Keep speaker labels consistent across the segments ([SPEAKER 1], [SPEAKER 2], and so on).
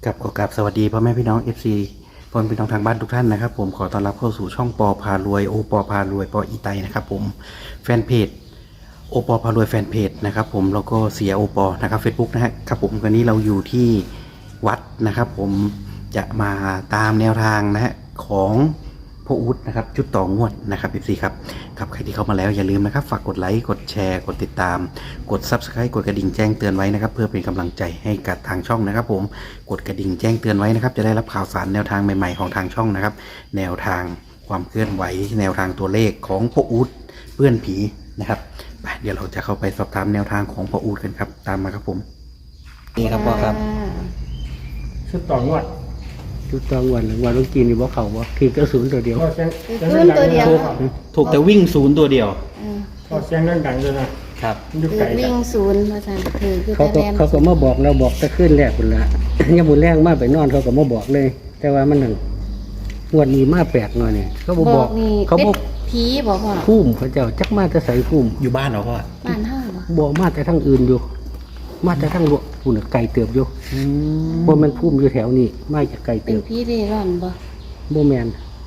[SPEAKER 1] กับขอกราบสวัสดีพ่อแม่พี่น้อง FC พ่อแม่พี่น้องทางบ้านทุกท่านนะครับผมขอต้อนรับเข้าสู่ช่องปอพารวยโอปอพารวยปออีไตนะครับผมแฟนเพจโอปอพารวยแฟนเพจนะครับผมแล้วก็เสียโอปอนะครับ Facebook นะครับผมวันนี้เราอยู่ที่วัดนะครับผมจะมาตามแนวทางนะฮะของพ่ออุ๊ดนะครับชุดต่องวดนะครับ FC ครับใครที่เข้ามาแล้วอย่าลืมนะครับฝากกดไลค์กดแชร์กดติดตามกด Subscribe กดกระดิ่งแจ้งเตือนไว้นะครับเพื่อเป็นกำลังใจให้กับทางช่องนะครับผมกดกระดิ่งแจ้งเตือนไว้นะครับจะได้รับข่าวสารแนวทางใหม่ๆของทางช่องนะครับแนวทางความเคลื่อนไหวแนวทางตัวเลขของพ่ออุ๊ดเปื้อนผีนะครับเดี๋ยวเราจะเข้าไปสอบถามแนวทางของพ่ออุ๊ดกันครับตามมาครับผมนี่ครับพ่อครับ
[SPEAKER 2] ชุดต่องวด
[SPEAKER 3] ชุดตองวันวันต้องกินนี่บ่เขาบ่คือกระสุนตัวเดียว
[SPEAKER 2] พอเสียง
[SPEAKER 4] ศูนย์ตัวเดียว
[SPEAKER 1] ถูกแต่วิ่งศูนย์ตัวเดียว
[SPEAKER 2] พอเสียงดังๆเลยนะครับ ยุค
[SPEAKER 4] คือ
[SPEAKER 2] ไก่
[SPEAKER 4] วิ่งศูนย์มาสั่นคือ
[SPEAKER 3] เขา
[SPEAKER 4] แต่
[SPEAKER 3] ก็
[SPEAKER 4] แลน
[SPEAKER 3] เขาก็มาบอกเราบอกแต่ขึ้นแรกพุ่นละ ยังบุญแรงมาไปนอนเขาก็มาบอกเลย แต่ว่ามันนั่นงวดนี้มาแปลกหน่อยเนี่ยเขาบ่บอก
[SPEAKER 4] นี่
[SPEAKER 3] เขา
[SPEAKER 4] เป็
[SPEAKER 3] บ่
[SPEAKER 4] ดผีบอกว่า
[SPEAKER 3] พุ่มเขาเจ้าจักมาแต่ใส่พุ่ม
[SPEAKER 1] อยู่บ้านเหรอพ่อ
[SPEAKER 4] บ้านห้าบ่
[SPEAKER 3] บ่มาแต่ทั้งอื่นอยู่ มาแต่ทั้งพุ่นน่ะไก่เติบอยู่บ่แม่นพุ่มอยู่แถวนี้มาจากไก่
[SPEAKER 4] เป็
[SPEAKER 3] เติ
[SPEAKER 4] น
[SPEAKER 3] บ
[SPEAKER 4] ผีเร่ร่อนบ่
[SPEAKER 3] บ่แม่น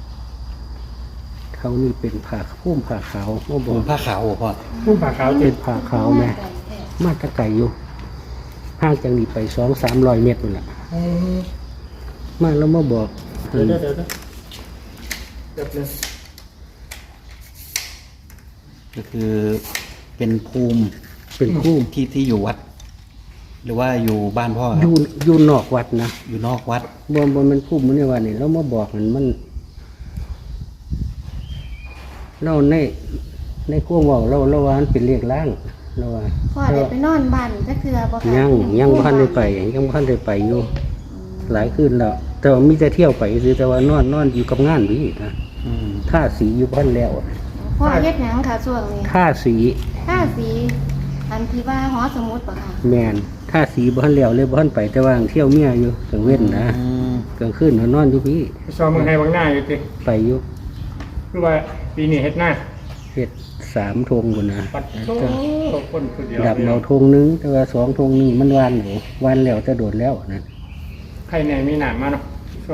[SPEAKER 3] เขานี่เป็นผ้าพุ่มผ้าขาวบ่บ
[SPEAKER 1] ผ
[SPEAKER 3] อก
[SPEAKER 1] มผ้าขาวเหรอพ่อ
[SPEAKER 2] ผู้ป่าขาว
[SPEAKER 3] เป็นผ้าขาวแม่มาแตะไก่อยู่ห่างจากนี้ไป200-300 เมตรพุ่นล่ะมาแล้วมาบอก
[SPEAKER 2] เดี๋ยวเดี๋ยวเลย
[SPEAKER 1] ก็คือเป็นภูมิ
[SPEAKER 3] เป็นคู่
[SPEAKER 1] ที่อยู่วัด หรือว่าอยู่บ้านพ่อค
[SPEAKER 3] อ
[SPEAKER 1] รับ
[SPEAKER 3] ยู่นอกวัดนะ
[SPEAKER 1] อยู่นอกวัด
[SPEAKER 3] บ่มันคู่มันในวันนี้เรามาบอกมันเราในขั้วเว้าเราว่ามันเป็นเลขล่างเราว่า
[SPEAKER 4] พ่อได้ไปนอนบ้านจักเทื่อบ่คะ
[SPEAKER 3] ยังบ่ทันได้ไปยังบ่ทันได้ไปอยู่หลายคืนแล้ว แต่ว่ามีแต่เที่ยวไปคือแต่ว่านอนอยู่กับงานนี่นะ
[SPEAKER 1] อืม
[SPEAKER 3] ท่าสีอยู่บ้านแล้ว
[SPEAKER 4] พ่อเฮ็ดหยังค่ะช่วงนี้
[SPEAKER 3] ท่าสี
[SPEAKER 4] ท่าสีอันที่ว่าหอสมุดบ่ค่ะ
[SPEAKER 3] แมนท่าสีบ้านแล้วเลยบ้านไปแต่ว่าเที่ยวเมียอยู่กลางเว้นนะ
[SPEAKER 1] อืม
[SPEAKER 3] กลางคืนนอนอยู่พี่
[SPEAKER 2] ไปซ้อมเมืองไทยบางหน้าอยู่ติ
[SPEAKER 3] ไปอยู่
[SPEAKER 2] คือว่าปีนี้เฮ็ดหน้า
[SPEAKER 3] เฮ็ด3 ธงพุ่นนะ
[SPEAKER 2] ปัดโต้คนคนเดียว
[SPEAKER 3] ดับเอาธงนึงแต่ว่า2 ธงนี่มันวานหนูวานแล้วจะโดดแล้วนะ
[SPEAKER 2] ใครเนี่ยมีหนามมาเนาะ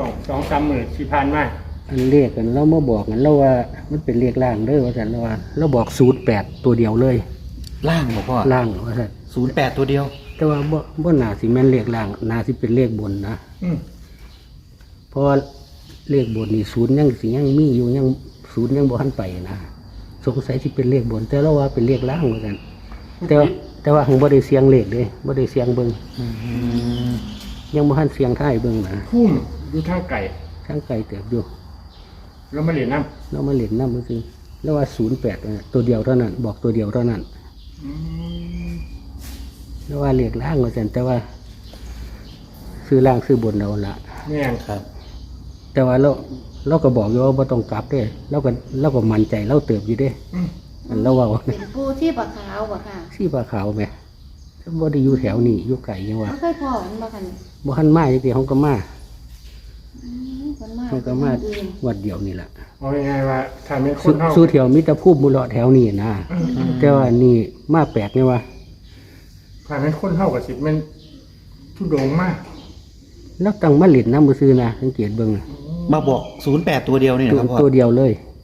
[SPEAKER 2] 2-3 มื้อที่ผ่านมา
[SPEAKER 3] อันเลขกันเรามาบอกกันเราว่ามันเป็นเลขล่างเด้อว่าซั่นเราว่าเราบอก08ตัวเดียวเลย
[SPEAKER 1] ล่างเหรอพ่อ
[SPEAKER 3] ล่างว่าซั่น
[SPEAKER 1] 08ตัวเดียว
[SPEAKER 3] แต่ว่าบ่น่าสิแม่นเลขล่างน่าสิเป็นเลขบนนะ
[SPEAKER 2] อืม
[SPEAKER 3] เพราะว่าเลขบนนี่ศูนย์ยังสิยังมีอยู่ยังศูนย์ยังบ่ทันไปนะสงสัยสิเป็นเลขบน แต่เราว่าเป็นเลขล่างเหมือนกันแต่ว่าหังบ่ได้เสียงเลขเด้บ่ได้เสียงเบิ่ง
[SPEAKER 1] อืม
[SPEAKER 3] ยังบ่ทันเสียงท้ายเบิ่งนะ
[SPEAKER 2] พุ่มอยู่ทางไก่
[SPEAKER 3] ทางไกลเติบอยู่
[SPEAKER 2] แล้วมาเรียนน้
[SPEAKER 3] เรามาเล่นนำซื่อๆแล้วว่า08น่ะตัวเดียวเท่านั้น บอกตัวเดียวเท่านั้น
[SPEAKER 2] ำอืม
[SPEAKER 3] แล้วว่าเลขล่างว่าซั่นแต่ว่า ซื้อล่างซื้อบนเอาละ
[SPEAKER 2] แม่น
[SPEAKER 1] ครับ
[SPEAKER 3] แต่ว่าเราก็บอกอยู่ว่าบ่ต้องกลับเด้เราก็มั่นใจเราเติบอยู่เด้
[SPEAKER 2] อืม
[SPEAKER 3] อันเราเว้า
[SPEAKER 4] เป็นผู้ที่ปะขาวบ่ค่ะ
[SPEAKER 3] สีปลาขาวแหม่บ่ได้อยู่แถวนี้อยู่ไกลยังว่า
[SPEAKER 4] บ่เคยพ่อมันบ่คัน
[SPEAKER 3] บ่ทันมาจักทีเขาก็มา
[SPEAKER 4] คนมา
[SPEAKER 3] เขาก็มา
[SPEAKER 4] อื่น
[SPEAKER 3] วัดเดียวนี่ล่ะ
[SPEAKER 2] เอาง่ายๆว่าถ้าเป็นค
[SPEAKER 3] สุ
[SPEAKER 2] นเฮา
[SPEAKER 3] สู่แถวมิตรภูมิบุรอแถวนี้นะแต่ว่านี่มาแปลกนี่ว่า
[SPEAKER 2] ถ้าเป็นคนเฮาก็สิแม่นทุดงมาก
[SPEAKER 3] แล้วตั้งมาเล่นน้ำมือซื้อนะสังเกตเบิ่งนะ
[SPEAKER 1] มาบอก08ตัวเดียวนี่นะครับพ่อ
[SPEAKER 3] ตัวเดียวเลย
[SPEAKER 1] โอ้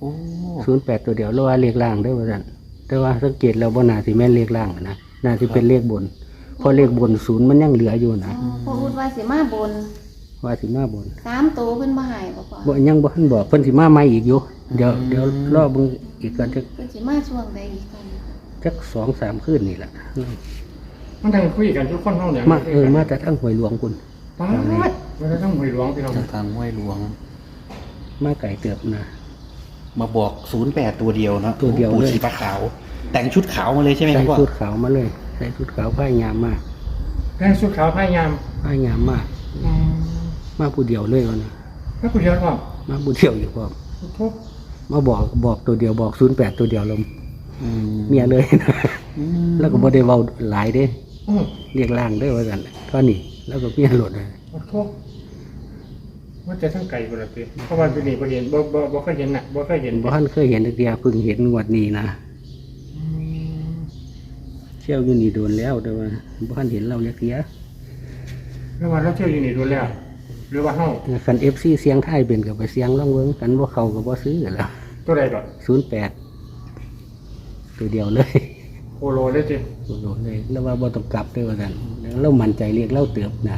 [SPEAKER 3] 08ตัวเดียวแล้วว่าเลขล่างเด้อว่าซั่นแต่ว่าสังเกตแล้วบ่น่าสิแม่นเลขล่างนะน่าสิเป็นเลขบนเพราะเลขบนศูนย์มันยังเหลืออยู่นะ
[SPEAKER 4] พ่ออุดว่าสิมาบน
[SPEAKER 3] ว่าสิมาบน
[SPEAKER 4] 3โตเพิ่นบ่ให้บ่พ่อ
[SPEAKER 3] บ่ยังบ่ทันบอกเพิ่นสิมาใหม่อีกอยู่เดี๋ยวรอเบิ่งอีกก่อนจัก
[SPEAKER 4] เพิ่นสิมาช่วงใดอีกกัน
[SPEAKER 3] จัก2-3คืนนี่ล่ะ
[SPEAKER 2] มันทั้งคุยกันทุกคนเฮาเนี่ย
[SPEAKER 3] มาแต่ทั้งหวยหลวงคุณ
[SPEAKER 2] ป๊าดมันจะต้องหวยหลวงพี่น้อง
[SPEAKER 1] จากทางห้วยหลวง
[SPEAKER 3] มาไก่เติบนะ
[SPEAKER 1] มาบอก08ตัวเดียวนะ
[SPEAKER 3] ตัวเดียวเลย
[SPEAKER 1] ปู่สีฟ้าขาว แต่งชุดขาวมาเลยใช่ไหมค
[SPEAKER 3] ใส่
[SPEAKER 1] รับพ่อ
[SPEAKER 3] ชุดขาวมาเลยใส่ชุดขาวผ้ายามมา
[SPEAKER 2] แม่ชุดขาวพายาม
[SPEAKER 3] ผ้ายามมามาผู้เดียวเลยวันนี้
[SPEAKER 2] ถ้าผู้เดียวว่า
[SPEAKER 3] มาผู้เดียวอยู่พร้อม
[SPEAKER 2] ทุก
[SPEAKER 3] มาบอกตัวเดียวบอก08ตัวเดียวลม
[SPEAKER 1] อืม
[SPEAKER 3] เมียเลยนะ
[SPEAKER 1] อืม
[SPEAKER 3] แล้วก็บ่ได้เว้าหลายเด้
[SPEAKER 2] อืม
[SPEAKER 3] เรียกล่างเด้อว่าซั่นเท่านี้แล้วก็เมียโหลดเลย
[SPEAKER 2] ทุกว่าจะทั้งไก่บ่ล่ะติเพราะว่าปีนี้บ่เห็นบ่เคยเห็นน่ะบ่เคยเห็น
[SPEAKER 3] บ่ทันเคยเห็นจักเดียเพิ่งเห็นงวดนี้นะ
[SPEAKER 2] อืม
[SPEAKER 3] เที่ยวอยู่นี่โดนแล้วแต่ว่าบ่ทันเห็นเราจักเดีย
[SPEAKER 2] แล้วว่าเราเที่ยวอยู่นี่ดูแล้ว
[SPEAKER 3] แ
[SPEAKER 2] หรือว่าเฮา
[SPEAKER 3] คัน FC เสียงไทยเป็นก็ไปเสียงลองเบิ่งกันบ่เข้าก็บ่ซื้อแล้ว
[SPEAKER 2] ตัวใดก่อน
[SPEAKER 3] 08ตัวเดียวเลย
[SPEAKER 2] โคโลเลยจิ
[SPEAKER 3] โอ้โหเลยแล้วว่าบ่ต้องกลับด้วยว่าซั่นเรามั่นใจเรียกเราเติบนะ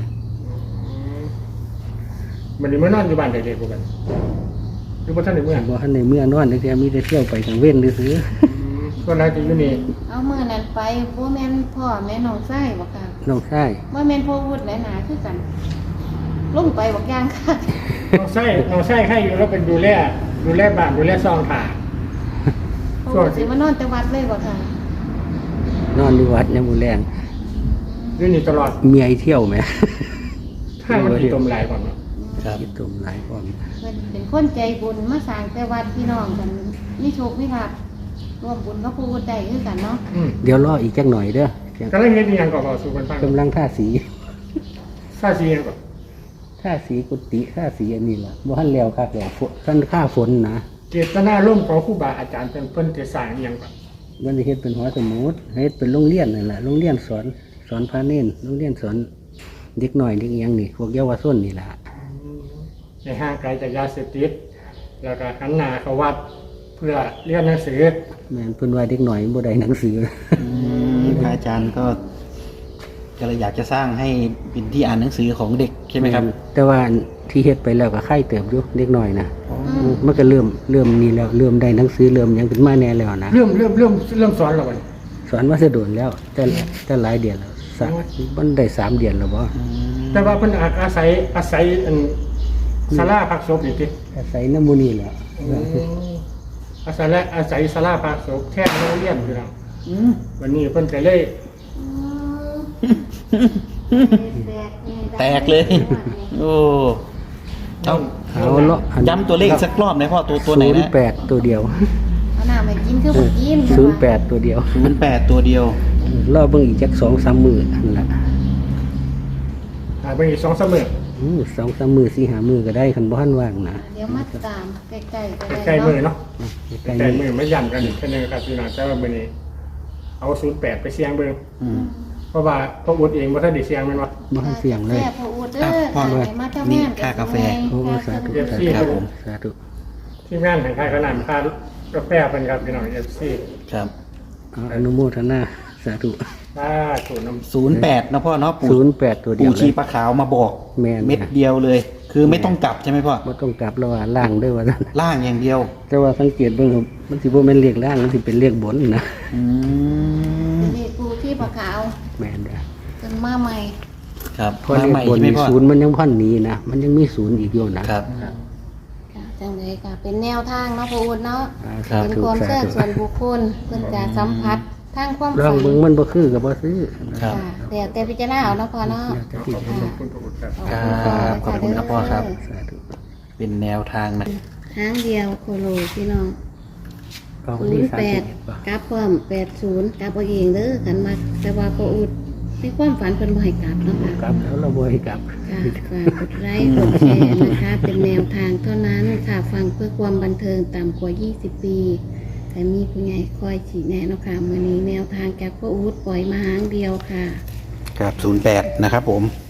[SPEAKER 2] มันนี่มานอนอยู่บ้านเด็กๆพวกกันหรือว่าท่านในเมือง
[SPEAKER 3] บ่ทันในเมื่อนอนจักเที่ยมีแต่เที่ยวไปกลางเว้นซื่อ
[SPEAKER 2] ก็น่าจะอยู่นี่
[SPEAKER 4] เอามื้อนั้นไปบ่แม่นพ่อแม่น้องชายบ่ค่ะ
[SPEAKER 3] ๆน้องชาย
[SPEAKER 4] บ่แม่นพ่อวุฒิและหนาคือกันลงไปบักอย่างค่ะ
[SPEAKER 2] น้องไส้ให้อยู่แล้วเป็นดูแลบ้านดูแลซองถ่า
[SPEAKER 4] พ่อวุฒิสิมานอนแต่วัดเลยบ่ค่ะ
[SPEAKER 3] นอนอยู่วัดยามมื้อแลง
[SPEAKER 2] อยู่นี่ตลอด
[SPEAKER 3] เมียไอ้เที่ยวแหม
[SPEAKER 2] ถ้ามันติดตมหลายก่อนเนาะ
[SPEAKER 1] ครับ
[SPEAKER 3] คิดตุ่มหลายพร้อม
[SPEAKER 4] เพิ่นเป็นคนใจบุญมาสร้างแต่วัดพี่น้องกันมีโชคมีลาภร่วมบุญกับผู้ใดคือกันเนาะ
[SPEAKER 3] เดี๋ยวรออีกจักหน่อยเด้อเพียง
[SPEAKER 2] ก็เลยเฮ็ดอีหยังก็สู่กันฟัง
[SPEAKER 3] กำลังท่าสี
[SPEAKER 2] ซาซีหยังก็
[SPEAKER 3] ท่าสีกุฏิท่าสีอันนี้ล่ะบ่ทันแล้วคักแล้วฝนท่านค่าฝนนะ
[SPEAKER 2] เจตนาร่วมของครูบาอาจารย์เพิ่นจะสร้างอีหยังก็
[SPEAKER 3] มันสิเฮ็ดเป็นหอสมุดเฮ็ดเป็นโรงเรียนนั่นล่ะโรงเรียนสอนพาเน้นโรงเรียนสอนเด็กน้อยเด็กอิหยังนี่พวกเยาวชนนี่ล่ะ
[SPEAKER 2] ให้ห่างไกลจากยาเสพติดแล้วก็หันหน้าเข้าวัดเพื่อเรียนหนังสือ
[SPEAKER 3] แม่นเพิ่นว่าเด็กน้อยบ่ได้หนังสือ
[SPEAKER 1] พระอาจารย์ก็เลยอยากจะสร้างให้เป็นที่อ่านหนังสือของเด็กใช่ไหมครับ
[SPEAKER 3] แต่ว่าที่เฮ็ดไปแล้วก็ไข่เติบอยู่เด็กน้อยนะมันก็เริ่มนี่แล้วเริ่มได้หนังสือเริ่มหยังขึ้นมาแน่แล้วนะ
[SPEAKER 2] เริ่มสอนแล้วบัดนี้
[SPEAKER 3] สอนว่าสะโดนแล้วแต่หลายเดือนแล้วมันได้3เดือนแล้วบ่
[SPEAKER 2] แต่ว่าเพิ่นอาศัยอันศาลาพักศพนี่ติ
[SPEAKER 3] อาศัยน้ำมูนี่แหละ
[SPEAKER 2] อาศัยศาลาพักศพแท้โรงเรียนพี่น้องวันนี้เพิ่นก็เลย
[SPEAKER 1] แตกเลย โอ้เจ้า
[SPEAKER 3] เอาเลาะ
[SPEAKER 1] ย้ำตัวเลขสักรอบหน่อยพ่อตัวไหนนะ
[SPEAKER 3] 08ตัวเดียว
[SPEAKER 4] เอาน้ำไปกินคือบ่กิน
[SPEAKER 3] 08ตัวเดียว
[SPEAKER 1] 08ตัวเดียว
[SPEAKER 3] รอเบิ่งอีกจัก2-3มื้อนั่นล่ะ
[SPEAKER 2] ไปอีก2-3มื้อ
[SPEAKER 3] 2-3มื้อ4-5มื้อก็ได้คันบ่ทันว่างนะ
[SPEAKER 4] เดี๋ยวมาตามใกล้ๆก็ได้
[SPEAKER 2] ใกล้มื้อเนาะ
[SPEAKER 3] ใกล้
[SPEAKER 2] ใกล้
[SPEAKER 3] ๆ
[SPEAKER 2] มื้อไม่ย้ำกันอีกแค่นึงครับพี่น้องแต่ว่ามื้อนี้เอา08ไปเสี่ยงเบิ่ง
[SPEAKER 1] อืม
[SPEAKER 2] เพราะว่าพ่ออุดเองบ่ทันได้เสี่ยงแม่นบ่
[SPEAKER 3] บ่ทันเสียงเลย
[SPEAKER 4] แซ่บพ่ออุดเด้อ
[SPEAKER 1] พ่อ
[SPEAKER 4] ให้มาเจ้า
[SPEAKER 1] นี่
[SPEAKER 4] แม่
[SPEAKER 1] ค่ากาแฟ
[SPEAKER 3] โอ้สาธุ
[SPEAKER 2] FC
[SPEAKER 3] สาธุสาธุ
[SPEAKER 2] ทีมงานแห่งค่ายขนาดค่ากาแฟเพิ่นครับพี่น้อง FC
[SPEAKER 1] ครับ
[SPEAKER 3] เอาอนุโมทนาสาธุ
[SPEAKER 2] ถูกน้ำ
[SPEAKER 1] 08นะพ่อเนาะปู่
[SPEAKER 3] 08ตัวเดียว
[SPEAKER 1] ปู่
[SPEAKER 3] เล
[SPEAKER 1] ชี
[SPEAKER 3] ย
[SPEAKER 1] ปลาขาวมาบอก
[SPEAKER 3] แม่น
[SPEAKER 1] เม็ดเดียวเลย คือไม่ต้องกลับใช่ไหมพ่อ
[SPEAKER 3] บ่ต้องกลับแล้วว่าล่างเด้อว่าซั่น
[SPEAKER 1] ล่างอย่างเดียว
[SPEAKER 3] แต่ว่าสังเกตเบิ่งครับมันสิบ่แม่นเลขล่างมันสิเป็นเลขบนนะ
[SPEAKER 1] อืม
[SPEAKER 4] นี่ปูที่ปลาขาว
[SPEAKER 3] แม่นเด้อ
[SPEAKER 4] จนมาใหม่
[SPEAKER 1] ครับ
[SPEAKER 3] เพราะ
[SPEAKER 1] มา
[SPEAKER 3] เลข
[SPEAKER 1] ใหม่
[SPEAKER 3] บน
[SPEAKER 1] ใช่ไหม
[SPEAKER 3] มี
[SPEAKER 1] พ่อ
[SPEAKER 3] ศูนย์มันยังพันหนีนะมันยังมีศูนย์อีกอยู่นะครับ
[SPEAKER 4] ค่ะจังเลยค่ะเป็นแนวทางเนาะพ่ออุดเนาะ
[SPEAKER 1] ครับ
[SPEAKER 4] เป็นความเชื่อส่วนบุคคลเพื่อนจะสัมผัสทางความ
[SPEAKER 3] ลอง
[SPEAKER 4] ฝัน
[SPEAKER 3] เบิ่งมันบ่คือก็บ่ซื้อ
[SPEAKER 1] ครับ
[SPEAKER 4] ค่ะเดี๋ยวแต่พิจารณาเอาเนาะพ่อเนาะ
[SPEAKER 3] แล้วแต่ที่
[SPEAKER 2] ขอบ
[SPEAKER 3] จะ
[SPEAKER 2] คุณพ่ออุดครับ
[SPEAKER 1] ครับขอบคุณครับพ่อครับ
[SPEAKER 3] สาธุ
[SPEAKER 1] เป็นแนวทางนะ
[SPEAKER 4] ทางเดียวโคโลพี่น้อง
[SPEAKER 3] ก็วันที่31บ่
[SPEAKER 4] กลับความ80กลับเอาเองเด้อกันมาแต่ว่าพ่ออุดในความฝันเพิ่นบ่ให้กลับเนาะค่ะ
[SPEAKER 3] กลับแล้วเราบ่ให้กลับ
[SPEAKER 4] ค่ะฝากกดไลค์กดแชร์นะคะ เป็นแนวทางเท่านั้นค่ะฟังเพื่อความบันเทิงต่ำกว่า 20 ปีแต่มีผู้ใหญ่คอยชี้แนะเนาะค่ะมื้อนี้แนวทางจากพ่ออู๊ดปล่อยมาหางเดียวค่ะ
[SPEAKER 1] ครับ08นะครับผม